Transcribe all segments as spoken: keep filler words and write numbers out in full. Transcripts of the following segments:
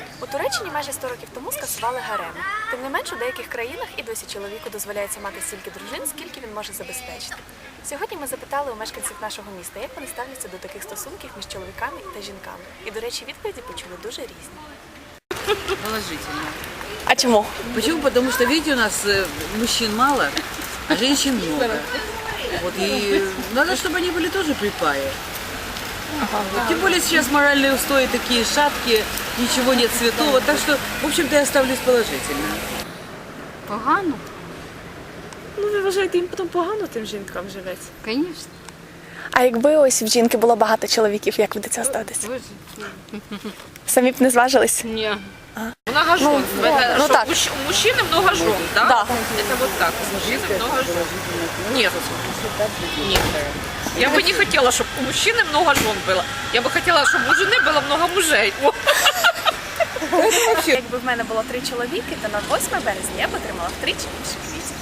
У Туреччині майже сто років тому скасували гареми. Тим не менш, у деяких країнах і досі чоловіку дозволяється мати стільки дружин, скільки він може забезпечити. Сьогодні ми запитали у мешканців нашого міста, як вони ставляться до таких стосунків між чоловіками та жінками. І, до речі, відповіді почули дуже різні. Положительно. А чому? Почему? Потому что, видите, у нас э, мужчин мало, а женщин много. Вот, и надо, чтобы они были тоже при паре. Вот, тем более сейчас моральные устои такие шаткие, ничего нет святого. Так что, в общем-то, я ставлюсь положительно. Погано? Ну, ви вважаєте, їм потім погано тим жінкам живеться? Звісно. А якби ось в жінки було багато чоловіків, як ви до цього ставитесь? Самі б не зважились? Ні. Много жен. Ну, Это ну что, так. мужч- у мужчины много жен, да? Да. Это вот так. У мужчины много жен. Нет. Нет. Я бы не хотела, чтобы у мужчины много жен было. Я бы хотела, чтобы у жены было много мужей. О. Якби в мене було три чоловіки, то на восьме березня я б отримала втричі більше квітів.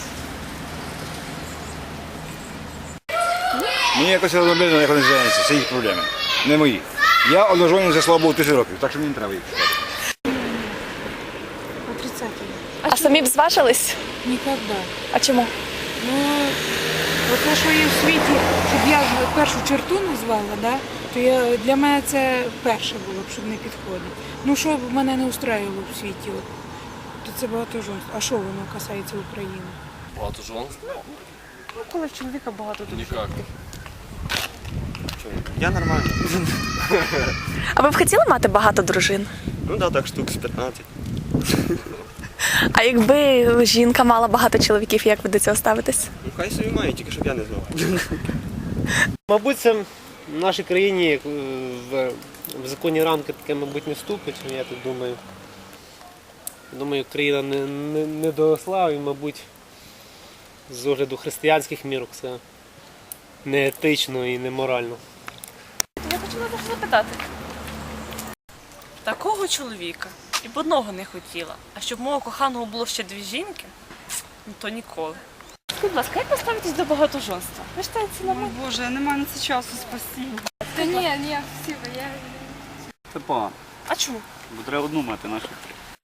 Мені якось розроблено, як вони займаються, це їх проблеми, не мої. Я одружений, слава Богу, тисячу років, так що мені не треба їх шукати. А самі б зважились? Ніколи. А чому? Ну, те, що є в світі, щоб я першу черту назвала, да, то я, для мене це перше було б, щоб не підходить. Ну, що б мене не устраювало в світі, от, то це багатоженство. А що воно касається України? Багатоженство? Ну, коли в чоловіка багато дружин. Никак. Я нормально. А ви б хотіли мати багато дружин? Ну да, так штук з п'ятнадцять. А якби жінка мала багато чоловіків, як ви до цього ставитесь? Ну хай собі має, тільки щоб я не знав. Мабуть, це в нашій країні е, в, в законні рамки таке, мабуть, не вступить, я так думаю. Думаю, країна не, не, не доросла і, мабуть, з огляду християнських мірок це не етично і не морально. Я хочу вас запитати. Такого чоловіка і б одного не хотіла. А щоб мого коханого було ще дві жінки, ну то ніколи. Будь ласка, як ви ставитесь до багатоженства? Ви вважаєте це нормально? Боже, немає на це часу, спасибо. Та ні, ні, спасибо, я... Це погано, А чому? бо треба одну мати нашу.